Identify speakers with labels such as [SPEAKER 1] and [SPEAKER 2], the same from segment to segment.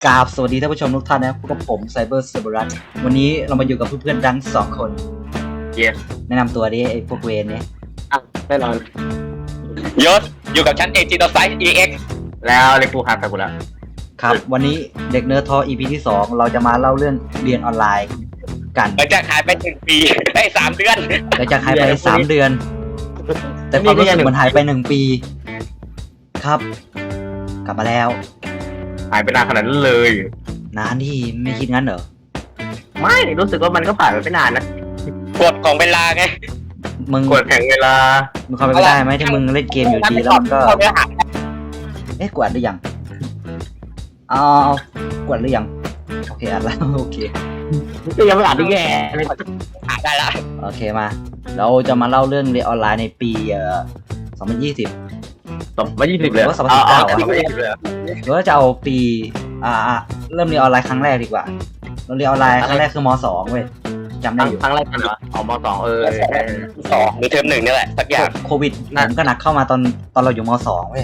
[SPEAKER 1] กราบสวัสดีท่านผู้ชมทุกท่านนะพบกับผมไซเบอร์เซอร์บรัสวันนี้เรามาอยู่กับเพื่อนๆดัง2 คน
[SPEAKER 2] เย้
[SPEAKER 1] แนะนำตัวดิไอ้พวกเวนเนี่ย
[SPEAKER 2] แน่นอน
[SPEAKER 3] ยศอยู่กับชั้นเอจิโตไซส์ EX
[SPEAKER 2] แล้วเล็กกูหักไปกูแล้ว
[SPEAKER 1] ครับวันนี้เด็กเนิร์ดทอ EP ที่ 2เราจะมาเล่าเรื่องเรียนออนไลน์กัน
[SPEAKER 3] หลังจากหายไป1 ปีได้3 เดือน
[SPEAKER 1] หลังจากหายไป3 เดือน แต่ความรู้สึกมันหายไป1 ปีครับ กลับมาแล้ว
[SPEAKER 2] หายไปนานขนาดนั้นเลย
[SPEAKER 1] นานที่ไม่คิดงั้นเหรอ
[SPEAKER 2] ไม่รู้สึกว่ามันก็ผ่านไปไม่นานนะ
[SPEAKER 3] กฎของเวลาไง
[SPEAKER 1] มึง
[SPEAKER 2] กดแข่งเวลา
[SPEAKER 1] มึงเข้าไปไม่ได้ไหมที่มึงเล่นเกมอยู่ดีแล้วมันก็
[SPEAKER 3] เข้าเนื้อหา
[SPEAKER 1] เอ๊ะกวาดหรือยังเอากวาดหรือยังโอเคอัดแล้ว โอเค
[SPEAKER 2] ก็ยังไม่อ่านได้แย่เลย
[SPEAKER 3] หาได้ละ
[SPEAKER 1] โอเคมา เราจะมาเล่าเรื่องเรียนออนไลน์ในปี2020
[SPEAKER 2] 2020เลย
[SPEAKER 1] หรือว่า2019
[SPEAKER 2] 2020เลย
[SPEAKER 1] หรือว่าจะเอาปีเริ่มเรียนออนไลน์ครั้งแรกดีกว่าเราเรียนออนไลน์ครั้งแรกคือม.2 เว้ยจำได้อยู่
[SPEAKER 2] ครั้งแรกกันเหรอออกม.2
[SPEAKER 3] 2หรือเทอม1นี่แหละสักอย่าง
[SPEAKER 1] โควิดผมก็หนักเข้ามาตอนเราอยู่ม.2 เว้ย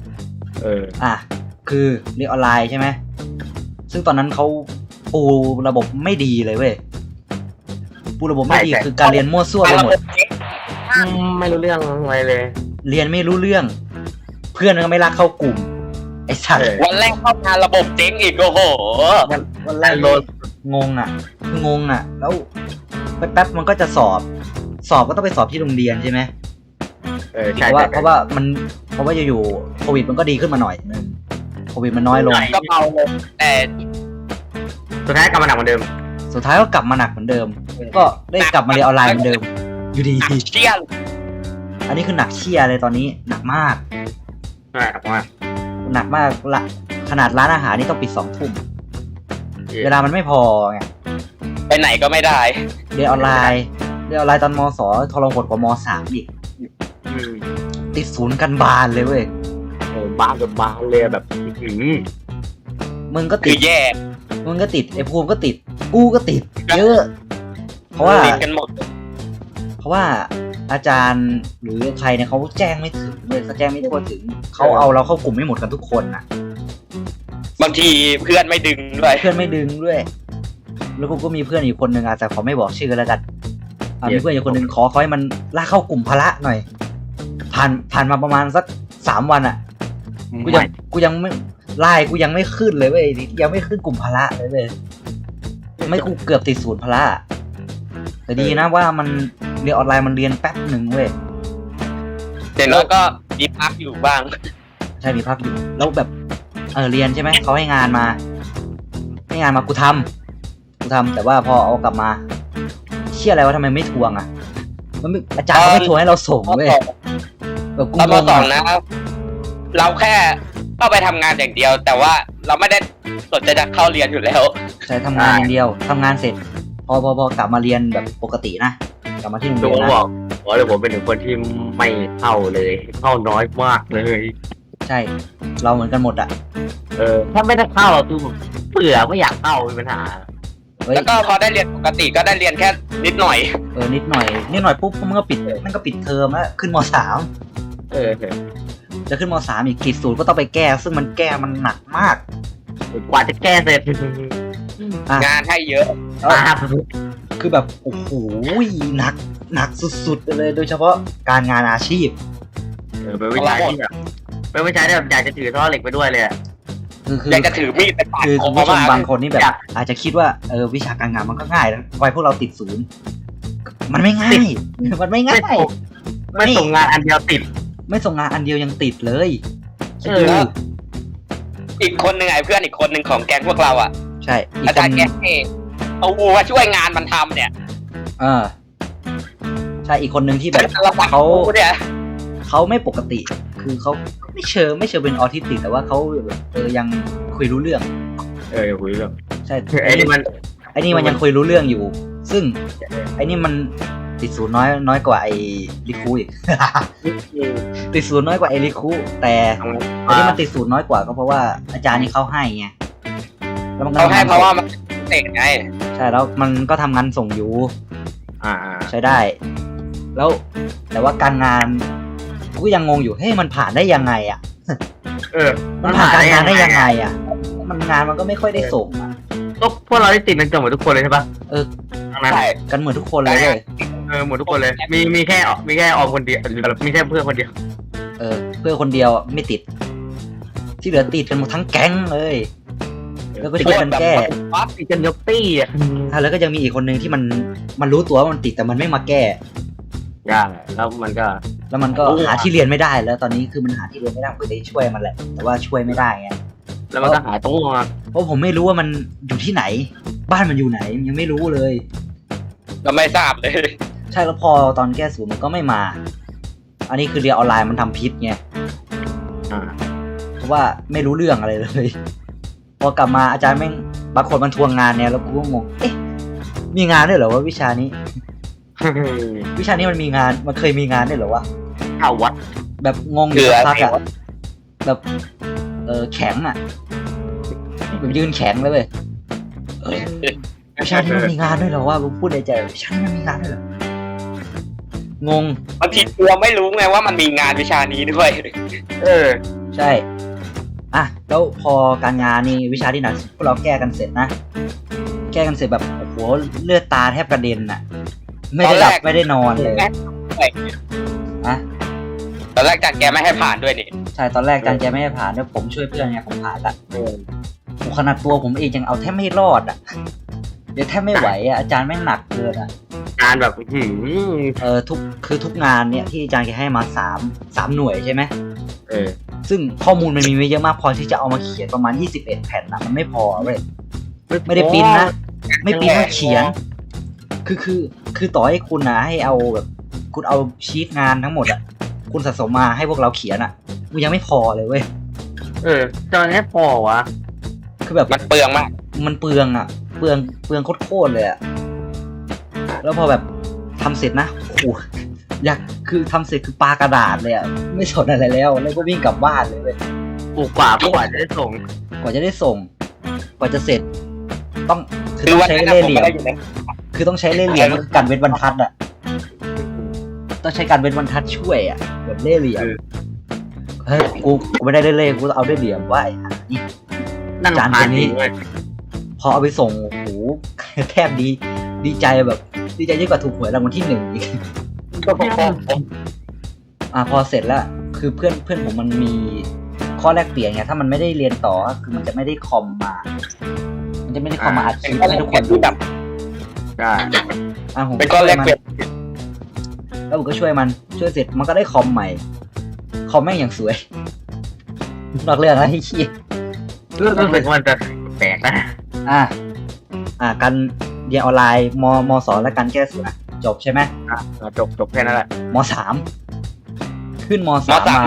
[SPEAKER 1] คือเรียนออนไลน์ใช่ไหมซึ่งตอนนั้นเขาปูระบบไม่ดีเลยเว้ยปูระบบไม่ดีคือการเรียนมั่วซั่วไปหมด
[SPEAKER 2] ไม่รู้เรื่องอะไรเลย
[SPEAKER 1] เรียนไม่รู้เรื่อง เพื่อนก็ไม่รักเข้ากลุ่มไอ้สัตว์
[SPEAKER 3] วันแรกเข้ามาระบบเจ๊งอีกโอ้โห
[SPEAKER 1] วันแรกงงอ่ะแล้วแป๊บๆมันก็จะสอบก็ต้องไปสอบที่โรงเรียนใช่ไหม
[SPEAKER 2] ใช่
[SPEAKER 1] เพราะว่าอยู่ๆโควิดมันก็ดีขึ้นมาหน่อยนึงโควิดมันน้อยลง
[SPEAKER 3] ก็เบาลงแต่
[SPEAKER 2] สุดท้ายกลับมาหนักเหมือนเดิม
[SPEAKER 1] สุดท้ายก็กลับมาหนักเหมือนเดิม ก็ได้กลับมาเรียนออนไลน์เหมือนเดิม อยู่ดี
[SPEAKER 3] เชี่ยง
[SPEAKER 1] อันนี้คือหนักเชี่ยเลยตอนนี้หนักมาก
[SPEAKER 2] ใช่ครับว่า
[SPEAKER 1] หนักมากละขนาดร้านอาหารนี่ต้องปิด2 ทุ่มเวลามันไม่พอไง
[SPEAKER 3] ไปไหนก็ไม่ได้
[SPEAKER 1] เรียนออนไลน์ตอนม.2 ทรหดกว่า ม.3 อีกติดศูนย์กันบานเลยเว้ย
[SPEAKER 2] บ้ากับบ้าเลยแบบ
[SPEAKER 1] มึงก็
[SPEAKER 3] คื
[SPEAKER 1] ติ
[SPEAKER 3] อ
[SPEAKER 1] ด
[SPEAKER 3] แย่
[SPEAKER 1] มึงก็ติดไอ้ภูมิก็ติดกูก็ติดเยอะ เพราะว่า
[SPEAKER 3] ติดกันหมด
[SPEAKER 1] อาจารย์หรือใครเนี่ยเขาแจ้งไม่ถึงเลยเขาแจ้งไม่ทั่วถึงเขาเอาเราเข้ากลุ่มไม่หมดกันทุกคนน่ะ
[SPEAKER 3] บางทีเพื่อนไม่ดึงด้วย
[SPEAKER 1] เพื่อนไม่ดึงด้วย แล้วกูก็มีเพื่อนอีกคนนึงแต่ขอไม่บอกชื่อแล้วกันมีเพื่อนอีกคนนึงขอให้มันลากเข้ากลุ่มพละหน่อยผ่านมาประมาณสัก3 วันอ่ะกูยังไม่ไล่กูยังไม่ขึ้นเลยเว้ยยังไม่ขึ้นกลุ่มพละเลยไม่กูเกือบติดศูนย์พละแต่ดีนะว่ามันเรียนออนไลน์มันเรียนแป๊บหนึ่งเว้ย
[SPEAKER 3] เดี๋ยวน้อยก็มีพักอยู่บ้าง
[SPEAKER 1] ใช่มีพักอยู่แล้วแบบเรียนใช่ไหมเขาให้งานมากูทำแต่ว่าพอเอากลับมาเชื่ออะไรว่าทำไมไม่ทวงอ่ะมันไม่อาจารย์เขาไม่ทวงให้เราส่งเว้ยแบบกู
[SPEAKER 3] ตอน
[SPEAKER 1] ง
[SPEAKER 3] ม
[SPEAKER 1] ง
[SPEAKER 3] สองนะ เราแค่เข้าไปทำงานอย่างเดียว แต่ว่าเราไม่ได้สนใจจะเข้าเรียนอยู่แล้ว
[SPEAKER 1] ใช่ทำงานอย่างเดียวทำงานเสร็จพอกลับมาเรียนแบบปกตินะกลับมาที่โรง
[SPEAKER 2] ดู
[SPEAKER 1] เรียนนะ
[SPEAKER 2] บอกเดี๋ยวผมเป็นหนึ่งคนที่ไม่เข้าเลยเข้าน้อยมากเลย
[SPEAKER 1] ใช่เราเหมือนกันหมดอ่ะ
[SPEAKER 2] ถ้าไม่ได้เข้าคือเบื่อไม่อยากเข้ามีปัญหา
[SPEAKER 1] เฮ้ย
[SPEAKER 3] แล้วก็พอได้เรียนปกติก็ได้เรียนแค่นิดหน่อย
[SPEAKER 1] นิดหน่อยปุ๊บมันก็ปิดเทอมแล้วขึ้นม.3 จะขึ้นม.3อีกติดศูนย์ก็ต้องไปแก้ซึ่งมันหนักมาก
[SPEAKER 2] กว่าจะแก้เสร็จ
[SPEAKER 3] งานให้เยอะ
[SPEAKER 1] คือแบบโอ้โหหนักสุดๆไปเลยโดยเฉพาะการงานอาชีพ
[SPEAKER 2] เป็นวิชาที่แบบเป็นวิชาที่แบบอยากจะถือท่อเหล็กไปด้วยเลย
[SPEAKER 1] คือ
[SPEAKER 3] อยากจะถือมีดไปปาด
[SPEAKER 1] คือ
[SPEAKER 3] ค
[SPEAKER 1] คุ
[SPEAKER 3] อ
[SPEAKER 1] ณผู้ชม
[SPEAKER 3] มาก
[SPEAKER 1] บางคนนี่แบบอาจจะคิดว่าวิชาการงานมันก็ง่ายนะไว้พวกเราติดศูนย์มันไม่ง่ายมันไม่ง่าย
[SPEAKER 2] ไม่ส่งงานอันเดียวติด
[SPEAKER 1] ไม่ส่งงานอันเดียวยังติดเลยคิด
[SPEAKER 2] เอ
[SPEAKER 1] ดู
[SPEAKER 2] อ
[SPEAKER 3] อีกคนหนึ่งไอ้เพื่อนอีกคนหนึ่งของแก๊งพวกเราอ่ะ
[SPEAKER 1] ใช่อีก
[SPEAKER 3] อา
[SPEAKER 1] ค
[SPEAKER 3] จาร
[SPEAKER 1] น
[SPEAKER 3] ย์แก๊งเอาวัวช่วยงานมันทำเนี่ย
[SPEAKER 1] ใช่อีกคนหนึ่งที่แบบ เขาไม่ปกติ คือเขาไม่เชิงเป็นออทิสติกแต่ว่าเขาแบบยังคุยรู้เรื่อง
[SPEAKER 2] คุยเรื่อง
[SPEAKER 1] ใช่
[SPEAKER 2] ไอ้นี่มัน
[SPEAKER 1] มันยังคุยรู้เรื่องอยู่ ซึ่งไอ้นี่มันติดศูนย์น้อยกว่าไอ้ลิคูอีก ติดศูนย์น้อยกว่าไอ้ลิคูแต่ที่มันติดศูนย์น้อยกว่าก็เพราะว่าอาจารย์นี่เขาให้ไงแล้วมันก็
[SPEAKER 3] เขาให้เพราะว่ามันเด็กไง
[SPEAKER 1] ใช่แล้วมันก็ทำงานส่งอยู่ใช้ได้ แล้วแต่ว่าการงานกูยังงงอยู่เฮ้ยมันผ่านได้ยังไงอ่ะ มันผ่านการงานได้ยังไงอ่ะมันงานมันก็ไม่ค่อยได้ส่งอ่ะ
[SPEAKER 2] ก็พวกเราได้ติดกันเกือบหมดทุกคนเลยใช่ปะ
[SPEAKER 1] เออ
[SPEAKER 2] ทั้งนั้น
[SPEAKER 3] ใช่
[SPEAKER 1] กันเหมือนทุกคนเลยเว้ย
[SPEAKER 2] หมดทุกคนเลย มีแค่ออมคนเดียวมีแค่เพื่อนคนเดียว
[SPEAKER 1] เออเพื่อนคนเดียวไม่ติด ที่เหลือติดกันหมดทั้งแก๊งเลย แล้วก็ช่วยกันแก้
[SPEAKER 3] ปั๊บ
[SPEAKER 2] ติดกันยกตี้อ่ะ
[SPEAKER 1] แล้วก็ยังมีอีกคนนึงที่มันรู้ตัวว่ามันติดแต่มันไม่มาแก้
[SPEAKER 2] ยากแล้วมันก็
[SPEAKER 1] แล้วมันก็หาที่เรียนไม่ได้แล้วตอนนี้คือมันหาที่เรียนไม่ได้ผมก็เลยช่วยมันแหละ แต่ว่าช่วยไม่ได้ไง
[SPEAKER 2] แล้วมันก็หายตัว
[SPEAKER 1] เพราะผมไม่รู้ว่ามันอยู่ที่ไหน บ้านมันอยู่ไหนยังไม่รู้เลย
[SPEAKER 3] ก็ไม่ทราบเลย
[SPEAKER 1] ใช่แล้วพอตอนแก้ศูนย์มันก็ไม่มา อันนี้คือเรียนออนไลน์มันทำพิษไง
[SPEAKER 2] อ่า
[SPEAKER 1] เพราะว่าไม่รู้เรื่องอะไรเลย พอกลับมาอาจารย์แม่งบางคนมันทวงงานเนี่ยแล้วกูก็งง เอ๊ะ มีงานด้วยเหรอว่าวิชานี้ วิชานี้มันมีงาน มันเคยมีงานด้วยเหรอวะ
[SPEAKER 2] เข้าวัด
[SPEAKER 1] แบบงงอยู่สักพักอะแบบแข็งอะแบบยืนแข็งเลยเว้ยวิชานี้มันมีงานด้วยเหรอวะผมพูดในใจวิชานี้มันมีงานด้วยเหรองง
[SPEAKER 3] บางทีเราไม่รู้ไงว่ามันมีงานวิชานี้ด้วย
[SPEAKER 1] ใช่ อ่ะแล้วพอการงานนี่วิชาที่หนักสุดพวกเราแก้กันเสร็จนะ แก้กันเสร็จแบบโอ้โหเลือดตาแทบกระเด็นอะไม่ได้หลับไม่ได้นอนเลยอะ
[SPEAKER 3] ตอนแรกจัดแกไม่ให้ผ่านด้วยนี่
[SPEAKER 1] ใช่ตอนแรกอาจารย์แกไม่ให้ผ่านด้วยผมช่วยเพื่อนไงผมผ่านละโอ้ขนาดตัวผมเองยังเอาแทบไม่รอดอะเดี๋ยวแทบไม่ไหวอะอาจารย์แม่งหนักเกินอะ
[SPEAKER 2] งานแบบ
[SPEAKER 1] ทุกงานเนี่ยที่อาจารย์แกให้มา3หน่วยใช่ไหม
[SPEAKER 2] เออ
[SPEAKER 1] ซึ่งข้อมูลมันมีไม่เยอะมากพอที่จะเอามาเขียนประมาณ21แผ่นนะมันไม่พอเว้ยไม่ได้ปริ้นนะไม่ปริ้นมาเขียนคือต่อให้คุณนะให้เอาแบบคุณเอาชีตงานทั้งหมดอะคุณสะสมมาให้พวกเราเขียนอะมันยังไม่พอเลยเว้ย
[SPEAKER 2] ตอนนี้พอวะ
[SPEAKER 1] คือแบบ
[SPEAKER 3] มันเปลืองมาก
[SPEAKER 1] มันเปลืองอะเปลืองโคตรเลยอะแล้วพอแบบทำเสร็จนะโอ้โหอยากคือทำเสร็จคือปากระดาษเลยอะไม่สนอะไรแล้วก็วิ่งกลับบ้านเลยเว้ย
[SPEAKER 2] ปลูกกว่าจะได้ส่ง
[SPEAKER 1] กว่าจะได้ส่ง กว่าจะเสร็จ ต้องคือ
[SPEAKER 3] คือ
[SPEAKER 1] ต้อง
[SPEAKER 3] วัน
[SPEAKER 1] ใช้
[SPEAKER 3] นั้น
[SPEAKER 1] เล่
[SPEAKER 3] ผม
[SPEAKER 1] ห์เหลี่ย
[SPEAKER 3] ไม่
[SPEAKER 1] ม
[SPEAKER 3] ได้อยู่ใน
[SPEAKER 1] คือต้องใช้เล่ห์เหลี่ยมกันเว้นบรรทัดอะต้องใช้การเว้นบรรทัดช่วยอะแบบเล่ห์เหลี่ยมเฮ้ยกูไม่ได้เล่ห์กูเอาเล่ห์เหลี่ยมว่าไอ้ห่านี่
[SPEAKER 2] นั่น
[SPEAKER 1] จาน
[SPEAKER 2] ผ่า
[SPEAKER 1] คน นนี้
[SPEAKER 2] นี้เลย
[SPEAKER 1] พอเอาไปส่งโอ้โหแทบดีใจแบบดีใจยิ่งกว่าถูกหวยรางวัลที่1อีก
[SPEAKER 3] ก็พอ
[SPEAKER 1] พอเสร็จแล้วคือเพื่อนผมมันมีข้อแลกเปลี่ยนไงถ้ามันไม่ได้เรียนต่อคือมันจะไม่ได้คอมมา มันจะไม่ได้คอมมาอัดคลิปให้ทุกคนดู
[SPEAKER 3] แบบ
[SPEAKER 2] ใช่
[SPEAKER 1] ผม
[SPEAKER 3] เป็นก้อนแรกเปลี่ยน
[SPEAKER 1] แล้วผมก็ช่วยมันช่วยเสร็จมันก็ได้คอมใหม่คอมแม่งอย่างสวยนอกเรื่องนะที่ขี้
[SPEAKER 2] รู้สึกว่ามันจะแปลกนะ
[SPEAKER 1] การเรียนออนไลน์ม2และการแก้ศูนย์จบใช่ไหม
[SPEAKER 2] จบแค่นั้นแหละ
[SPEAKER 1] ม3ขึ้นม3มาม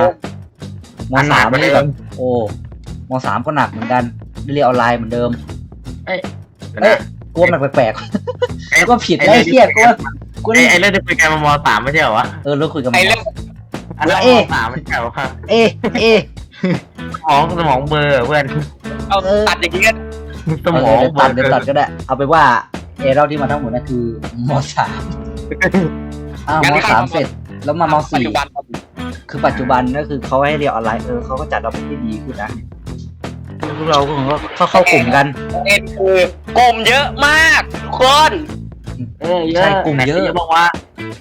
[SPEAKER 1] 3นี่แบบโอ้ม3ก็หนักเหมือนกันเรียนออนไลน์เหมือนเดิมกลัวมันแปลกๆก็ผิดได้เครียดกลัว
[SPEAKER 2] ไอ้เรื่องที่คุยกันม.3ไม่ใช่เหรอวะ
[SPEAKER 1] เราคุยกับหม
[SPEAKER 3] ไอ้
[SPEAKER 1] อ
[SPEAKER 3] เรื่อง
[SPEAKER 2] อันนั้นม.3ไม่ใช่เหรอวะ
[SPEAKER 1] เอ
[SPEAKER 2] สมองเบลอเพื่อน
[SPEAKER 3] เอาตัดอย่างนี้ก็
[SPEAKER 2] สมองเบล
[SPEAKER 1] เดี๋ยวตัดก็ได้เอาไปว่าเราที่มาทั้งหมดนั่นคือม3ม3เสร็จแล้วม
[SPEAKER 3] ปัจจุบัน
[SPEAKER 1] 4คือปัจจุบันก็คือเขาให้เรียนออนไลน์เขาก็จัดระบบที่ดีขึ้นนะพวกเราก็เข้ากลุ่มกัน
[SPEAKER 3] คือกลุ่มเยอะมากทุกคน
[SPEAKER 2] เยอะ
[SPEAKER 1] ใช่กลุ่มเยอะ
[SPEAKER 2] บอกว่าก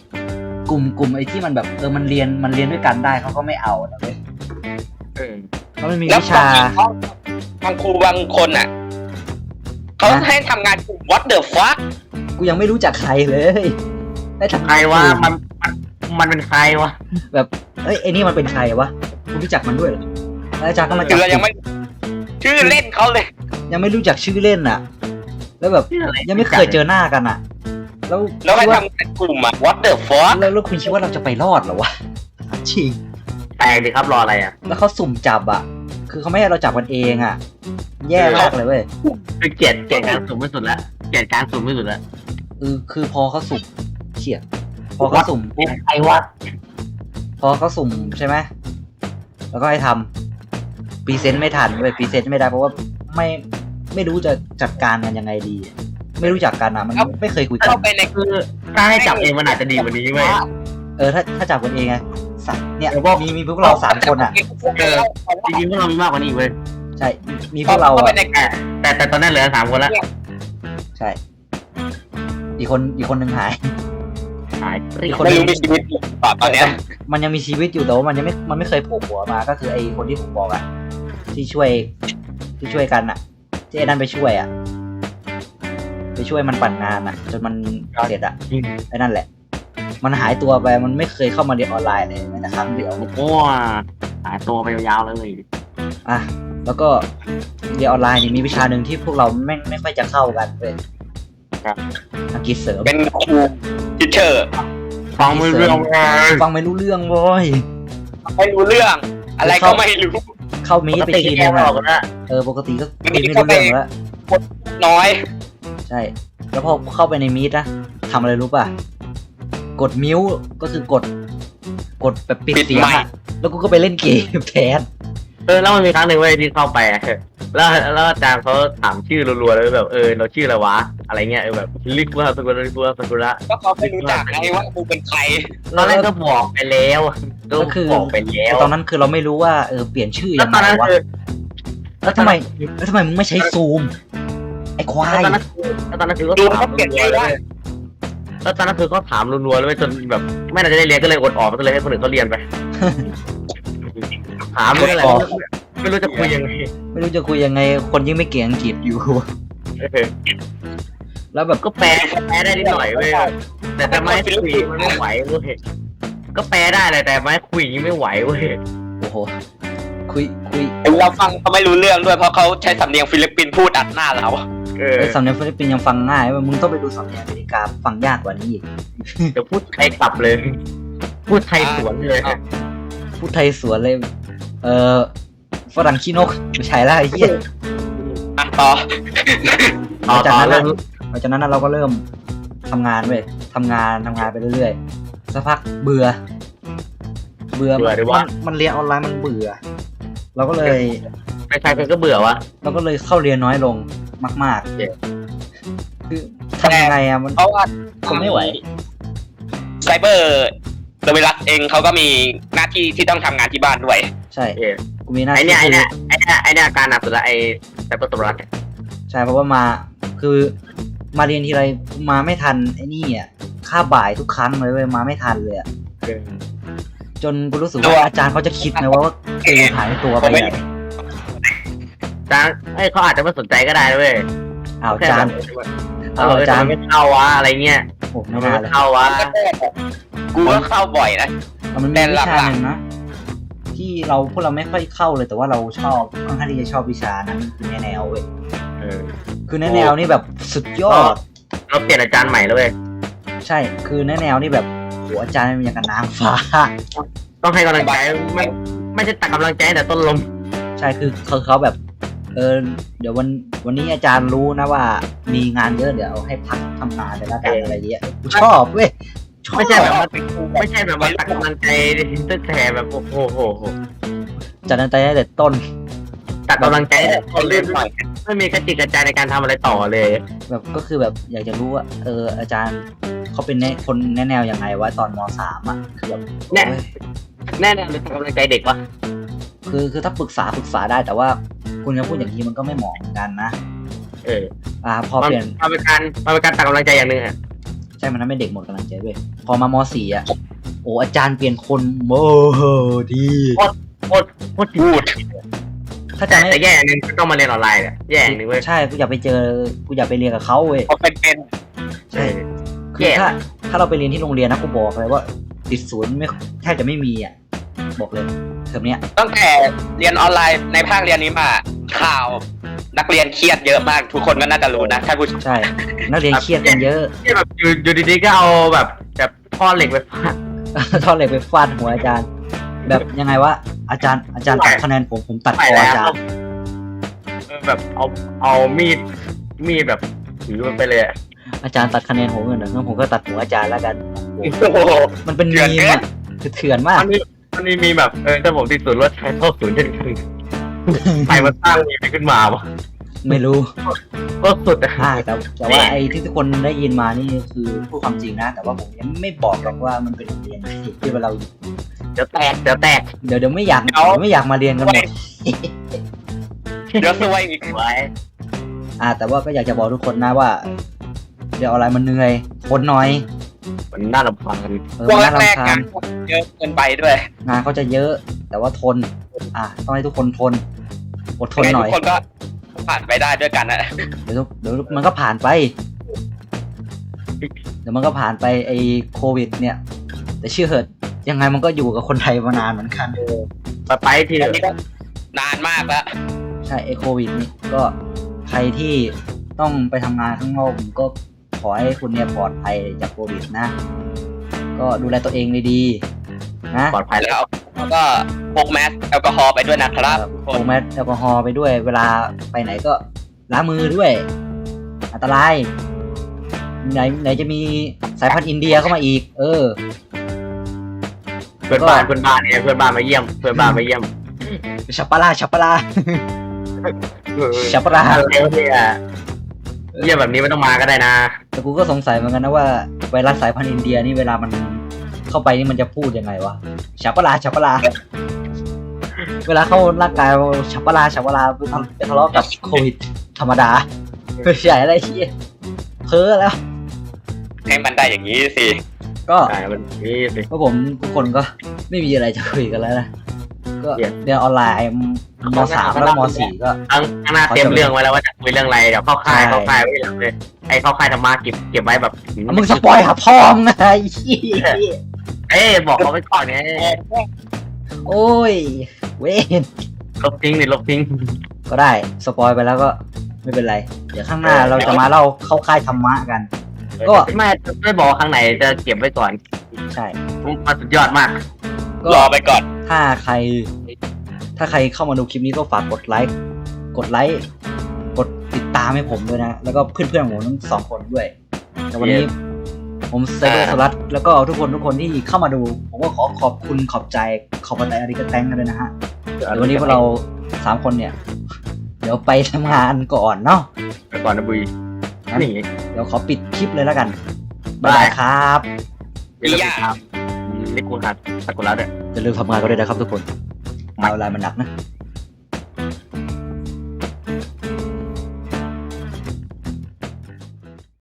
[SPEAKER 1] ลุ่มไอ้ที่มันแบบมันเรียนด้วยกันได้เขาก็ไม่เอานะเว้ยเพราะมันมี
[SPEAKER 3] แล้ว
[SPEAKER 1] วิชา
[SPEAKER 3] บางครูบางคนอ่ะเขาให้ทำงานกลุ่ม what the fuck
[SPEAKER 1] กูยังไม่รู้จักใครเลยได้ทำ
[SPEAKER 2] ใครวะมันเป็นใครวะ
[SPEAKER 1] แบบไอ้นี่มันเป็นใครวะกูรู้จักมันด้วยเหรอแล้วอาจารย์ก็มาจั
[SPEAKER 3] คื
[SPEAKER 1] บ
[SPEAKER 3] อเรายังไม่ชื่อเล่นเขาเลย
[SPEAKER 1] ยังไม่รู้จักชื่อเล่นอ่ะ แล้วแบบยังไม่เคยเจอหน้ากันอ่ะ
[SPEAKER 3] แล้วให้ทำงานกลุ่มอ่ะ what the fuck
[SPEAKER 1] แล้วคุณคิดว่าเราจะไปรอดเหรอวะจริง
[SPEAKER 2] แปลกดิครับรออะไรอ่ะ
[SPEAKER 1] แล้วเขาสุ่มจับอ่ะ คือเขาไม่ให้เราจับกันเองอ่ะ แย่มากเลยเว้ย
[SPEAKER 2] คือเกลียดการสุ่มไม่สุดแล้วเกลียดการสุ่มไม่สุดแล้ว
[SPEAKER 1] คือพอเขาสุ่มเฉียดพอเขาสุ่มปุ๊บ
[SPEAKER 2] ไอ้วัด
[SPEAKER 1] พอเขาสุ่มใช่ไหมแล้วก็ให้ทำพรีเซนต์ไม่ทันเว้ยพรีเซนต์ไม่ได้เพราะว่าไม่รู้จะจัดการกันยังไงดี ไม่รู้จักกันอ่ะมันไม่เคยคุยกัน
[SPEAKER 3] เข้าไปใน
[SPEAKER 2] คือถ้าให้จับเองมันอาจจะดีกว่านี้เว้ย
[SPEAKER 1] ถ้าจับกันเองไงสัตว์เนี่ยมีพวกเรา3 คนอ่ะ
[SPEAKER 2] จริงๆพวกเรามีมากกว่านี้เว้ย
[SPEAKER 1] ใช่ มีพวกเรา
[SPEAKER 3] เข้าไป
[SPEAKER 1] อะ
[SPEAKER 3] ใน
[SPEAKER 2] แต่ตอนนั้นเหลือ3 คนแล้ว
[SPEAKER 1] ใช่ อีกคนหนึ่งหาย
[SPEAKER 2] หายเกลี้ยง
[SPEAKER 3] ไม่รู้มีชีวิตอยู่หรือเปล่าตอนเนี้ย
[SPEAKER 1] มันยังมีชีวิตอยู่แต่ว่ามันไม่เคยโผล่หัวมา ก็คือไอ้คนที่ผมบอกอะที่ช่วยกันอะที่ไอ้นั่นไปช่วยอะไปช่วยมันปั่นงานอะจนมันเสร็จอะไอ้นั่นแหละ มันหายตัวไปมันไม่เคยเข้ามาเรียนออนไลน์เลยแม้แต่ครั้งเดียว
[SPEAKER 2] โอ้หายตัวไปยาวๆเลย
[SPEAKER 1] อ่ะแล้วก็เรียนออนไลน์นี่มีวิชาหนึ่งที่พวกเราไม่ค่อยจะเข้ากันเป็นอังกฤษเสริม
[SPEAKER 3] เป็นครูทิเชอร์
[SPEAKER 2] ฟังไม่เรื่องเลย
[SPEAKER 1] ฟังไม่รู้เรื่องเลย
[SPEAKER 3] ไม่รู้เรื่อง อะไรก็ไม่รู้
[SPEAKER 1] เข้ามีไปทีนึง
[SPEAKER 2] อ
[SPEAKER 1] อะ
[SPEAKER 2] อกกันละ
[SPEAKER 1] ปกติก็คุยไม่รู้เรื่องแล้ว
[SPEAKER 3] น้อย
[SPEAKER 1] ใช่ แล้วพอเข้าไปในมีดนะทำอะไรรู้ป่ะกดมิวก็คือกดแบบปิดเสียงอะแล้วกูก็ไปเล่นเกมแทน
[SPEAKER 2] แล้วมันมีครั้งหนึ่งเว้ยที่เข้าไปอะแล้วอาจารย์เขาถามชื่อรัวๆเลยแบบเราชื่ออะไรวะอะไรเงี้ยแบบลิกว่าสกุลละ
[SPEAKER 3] ก็เขาไม่รู้จักไงว่ากูเป็นใคร
[SPEAKER 2] ตอนแรกก็บอกไปแล้วก็
[SPEAKER 1] ก็คือ
[SPEAKER 2] บอกไปแล้ว
[SPEAKER 1] ตอนนั้นคือเราไม่รู้ว่าเปลี่ยนชื่อ
[SPEAKER 2] แล้ว
[SPEAKER 1] ยัง
[SPEAKER 2] ตอน
[SPEAKER 1] ไง
[SPEAKER 2] นั้น
[SPEAKER 1] วะ
[SPEAKER 2] คือ
[SPEAKER 1] แล้วทำไมมึงไม่ใช้ซูมไอ้ควาย
[SPEAKER 2] แล้วตอนนั้นคือก็
[SPEAKER 3] ดู
[SPEAKER 2] ถาม
[SPEAKER 3] เขาเปลี่ยนใจได้
[SPEAKER 2] แล้วตอนนั้นคือก็ถามรัวๆเลยจนแบบไม่น่าจะได้เรียนก็เลยอดออกก็เลยให้คนอื่นเขาเรียนไปถามไม่รู้จะคุยยังไง
[SPEAKER 1] ไม่รู้จะคุยยังไงคนยิ่งไม่เก่งอังกฤษอยู่ แล้วแบบ
[SPEAKER 2] ก็แปลได้นิดหน่อยเว้ยแต่ไม่คุยมันไม่ไหวเว้ยก็แปลได้แหละแต่ไม่คุยไม่ไหวเว้ย
[SPEAKER 1] โอ้โหคุย
[SPEAKER 3] เราฟังเขาไม่รู้เรื่องด้วยเพราะเขาใช้สำเนียงฟิลิปปินส์พูดอัดหน้าเรา
[SPEAKER 1] ไอ้สำเนียงฟิลิปปินส์ยังฟังง่ายเว้ยมึงต้องไปดูสำเนียงอเมริกาฟังยากกว่านี้อีก
[SPEAKER 2] เดี๋ยวพูดไทยกลับเลย พูดไทยสวนเลย
[SPEAKER 1] พูดไทยสวนเลยฝรั่งขี้นกไม่ใช่ละไอ้เหี้ย
[SPEAKER 3] ต่อ
[SPEAKER 1] หลังจากนั้นเราก็เริ่มทำงานเว้ยทำงานไปเรื่อยๆสักพักเบื่อมันเรียนออนไลน์มันเบื่อ เราก็เลย
[SPEAKER 2] ไม่ใช่ก็เบื่อวะ
[SPEAKER 1] เราก็เลยเข้าเรียนน้อยลงมาก
[SPEAKER 2] เย้
[SPEAKER 1] ๆคือทำยังไงอะมัน
[SPEAKER 3] เพราะว่า
[SPEAKER 1] ทนไม่ไหว
[SPEAKER 3] ไซเบอร์โดยเวลาเองเขาก็มีหน้าที่ที่ต้องทำงานที่บ้านด้วย
[SPEAKER 1] ใช่กูมีหน้า
[SPEAKER 2] ไอ
[SPEAKER 1] ที่
[SPEAKER 2] เนี่ยอาการหนักสุดละไอแต่ประตูรัก
[SPEAKER 1] ใช่เพราะว่าคือมาเรียนทีไรมาไม่ทันไอ้นี่อ่ะค่าบ่ายทุกครั้งเลยเว้ยมาไม่ทันเลยอะจนกูรู้สึกว่าอาจารย์เขาจะคิดไหมว่ากูหายตัวไปไหน
[SPEAKER 2] จานเขาอาจจะไม่สนใจก็ได้เว้ย
[SPEAKER 1] อาจารย์
[SPEAKER 2] อาจารย์ไม่เข้าวะอะไรเงี้ย
[SPEAKER 1] โอ้ไม่
[SPEAKER 2] ไม่
[SPEAKER 1] น่าเลย
[SPEAKER 2] เข้าวะ
[SPEAKER 3] กูก็เข้าบ่อยนะ
[SPEAKER 1] มันมีวิชาหนึ่งนะที่พวกเราไม่ค่อยเข้าเลยแต่ว่าเราชอบค่อนข้างที่จะชอบวิชานั้นคือแนวเว้ยคือแนวนี่แบบสุดยอด
[SPEAKER 2] เราเปลี่ยนอาจารย์ใหม่แล้วเว้ย
[SPEAKER 1] ใช่คือแนวนี่แบบโหอาจารย์มันอย่างกับนางฟ้า
[SPEAKER 2] ต้องให้กำลังใจไม่ใช่ตักกำลังใจแต่ต้นลม
[SPEAKER 1] ใช่คือเขาแบบเดี๋ยววันนี้อาจารย์รู้นะว่ามีงานเยอะเดี๋ยวให้พักทำงานเลยละกันอะไรเงี้ยกูชอบเว้ย
[SPEAKER 2] ไม่ใช่แบบมาตักกำลังใจตั้งแต่แบบโอ้โห
[SPEAKER 1] จัดตั้งแต่ต้น
[SPEAKER 2] ตักกำลังใจแต่ต้นเลยไม่มีกระจิกกระจายในการทำอะไรต่อเลย
[SPEAKER 1] แบบก็คือแบบอยากจะรู้ว่าอาจารย์เขาเป็นคนแนวยังไงวะตอนม.3 อ่ะคือแบบ
[SPEAKER 2] แน่เลยตักกำลังใจเด็กวะ
[SPEAKER 1] คือถ้าปรึกษาได้แต่ว่าคุณจะพูดอย่างนี้มันก็ไม่เหมาะเหมือนกันนะพอเปลี่ยน
[SPEAKER 2] มาเป็นการตักกำลังใจอย่างหนึ่งอ่ะ
[SPEAKER 1] ใช่มันทำให้เด็กหมดกำลังใจเว้ยพอมาม.4 อ่ะโอ้อาจารย์เปลี่ยนคนโอ้ดี
[SPEAKER 2] โคตรพูด
[SPEAKER 1] ถ้าจะไม่
[SPEAKER 2] แต่แย่อย่างนึงต้องมาเรียนออนไลน์เนี่ยแย่อย่างนึงเว้ย
[SPEAKER 1] ใช่กูอยากไปเรียนกับเขาเว้ย
[SPEAKER 3] เขาเป็น
[SPEAKER 1] ใช่คือถ้าเราไปเรียนที่โรงเรียนนะกูบอกเลยว่าติดศูนย์ไม่แทบจะไม่มีอ่ะบอกเลยเทอมเนี้ย
[SPEAKER 3] ตั้งแต่เรียนออนไลน์ในภาคเรียนนี้มาข่าวนักเรียนเครียดเยอะมากทุกคนก็น่าจะรู้นะท่านผู้ชม
[SPEAKER 1] ใช่นักเรียนเครียดกันเยอะ
[SPEAKER 2] ที่แบบอยู่ดีๆก็เอาแบบท่อเหล็กไปฟาด
[SPEAKER 1] ท่อนเหล็กไปฟาดหัวอาจารย์ แบบยังไงวะอาจารย์ตัดคะแนนผมตัดคออาจารย์
[SPEAKER 2] แบบเอามีดแบบถือมันไปเลย
[SPEAKER 1] อาจารย์ตัดคะแนนผมเงินงั้นผมก็ตัดหัวอาจารย์แล้วกัน
[SPEAKER 3] โอ้โห
[SPEAKER 1] มันเป็นมีมอะคือเถื่อนมาก
[SPEAKER 2] มันมีแบบถ้าผมติดศูนย์รถใช้เท่าศูนย์เช่นกันใครมาสร้างมีมขึ้นมาวะ
[SPEAKER 1] ไม่รู้
[SPEAKER 2] ก็สุดอะ
[SPEAKER 1] แต่ว่าไอ้ที่ทุกคนได้ยินมานี่คือพูดความจริงนะ แต่ว่าผมยังไม่บอกหรอกว่ามันเป็นโรงเรียนไหนที่เราอยู่
[SPEAKER 2] เดี๋ยวแตก
[SPEAKER 1] เดี๋ยวไม่อยากมาเรียนกันหมด
[SPEAKER 3] เดี๋ยวซวยอีก
[SPEAKER 2] ไว้
[SPEAKER 1] แต่ว่าก็อยากจะบอกทุกคนนะว่าเดี๋ยวอะไรมันเหนื่อยทนหน่อย
[SPEAKER 2] มันน่ารำคาญ
[SPEAKER 3] ช่วง
[SPEAKER 1] มันน่า
[SPEAKER 3] แรก
[SPEAKER 1] รำ
[SPEAKER 3] ๆ
[SPEAKER 1] คาญ
[SPEAKER 3] งานเยอะเกินไปด้วย
[SPEAKER 1] งานเขาจะเยอะ แต่ว่าทนต้องให้ทุกคนทนอดทนหน่อย
[SPEAKER 3] ทุกคนก็ผ่านไปได้ด้วยกันนะ
[SPEAKER 1] เดี๋ยวมันก็ผ่านไป เดี๋ยวมันก็ผ่านไปไอ้โควิดเนี่ย แต่เชื่อเถอะยังไงมันก็อยู่กับคนไทยมานานเหมือนกัน
[SPEAKER 2] ไปที
[SPEAKER 3] อันนี้ก็นานมากแล้ว
[SPEAKER 1] ใช่ไอ้โควิดนี่ก็ใครที่ต้องไปทำงานข้างนอกผมก็ขอให้คุณเนี่ยปลอดภัยจากโควิดนะ ก็ดูแลตัวเองดีๆนะ
[SPEAKER 2] ปลอดภัยแล้ว
[SPEAKER 3] แล้วก็พกแมสแอลกอฮอล์ไปด้วยนะครับทุกค
[SPEAKER 1] พ
[SPEAKER 3] น
[SPEAKER 1] กแมสแอลกอฮอล์ไปด้วย เวลาไปไหนก็ล้างมือด้วย อันตรายไหนจะมีสายพันธุ์อินเดียเข้ามาอีก
[SPEAKER 2] เพื่อนบ้านเนี่ยเพื่อนบ้านมาเยี่ยม
[SPEAKER 1] ชัปปะลาชัปปะลาชัปปะลา
[SPEAKER 2] เร็วเนี่ยเยี่ยมแบบนี้ไม่ต้องมาก็ได้นะ
[SPEAKER 1] แต่กูก็สงสัยเหมือนกันนะว่าไวรัสสายพันธุ์อินเดียนี่เวลามันเข้าไปนี่มันจะพูดยังไงวะชัปปะลาชัปปะลาเวลาเข้าร่างกายชัปปะลาชัปปะลาไปทะเลาะกับโควิดธรรมดาไม่ใช่อะไรที่เพ้อแล้ว
[SPEAKER 3] ให้มันได้อย่างนี้สิ
[SPEAKER 1] ก็
[SPEAKER 2] ใช่มันนี่สิ
[SPEAKER 1] พวกผมทุกคนก็ไม่มีอะไรจะคุยกันแล้วนะก็เรียนออนไลน์ม.3 แล้วม.4 ก็
[SPEAKER 2] ข้างหน้าเตรียมเรื่องไว้แล้วว่าจะคุยเรื่องอะไรเดี๋ยวเข้าค่ายไว้หลังเลยไอ้เข้าค่ายธรรมะเก็บไว้แบบ
[SPEAKER 1] มึงสปอยหาพ่อมึงไง
[SPEAKER 2] บอกเขาไปก่อนไง
[SPEAKER 1] โอ้ยเว้น
[SPEAKER 2] ลบทิ้ง
[SPEAKER 1] ก็ได้สปอยไปแล้วก็ไม่เป็นไร เดี๋ยวข้างหน้าเราจะมาเล่าเข้าค่ายธรรมะกัน ก็
[SPEAKER 2] ไม่บอกข้างไหนจะเก็บไว้ก่อน
[SPEAKER 1] ใช่
[SPEAKER 2] มันสุดยอดมาก
[SPEAKER 1] ก็
[SPEAKER 3] รอไปก่อน
[SPEAKER 1] ถ้าใครเข้ามาดูคลิปนี้ก็ฝากกดไลค์กดติดตามให้ผมด้วยนะ แล้วก็เพื่อนๆผมทั้งสองคนด้วยแต่วันนี้ ผมเซโรสลัดแล้วก็ทุกคนที่เข้ามาดู ผมก็ขอขอบคุณขอบใจขอบใจอาริกาแตงกันเลยนะฮะเดี๋ยววันนี้พวกเรา3 คนเนี่ย เดี๋ยวไปทำงานก่อนเนาะ
[SPEAKER 2] ไปก่อนนะบุยนี่
[SPEAKER 1] เดี๋ยวขอปิดคลิปเลยแล้วกันบ๊ายบายครับ
[SPEAKER 2] อย่าลืมติดตามลิกูฮัทสกุลแล้วด้วย
[SPEAKER 1] อย่าลืมทำงานกันด้วยนะครับทุกคนเอาเวลามันหนักนะ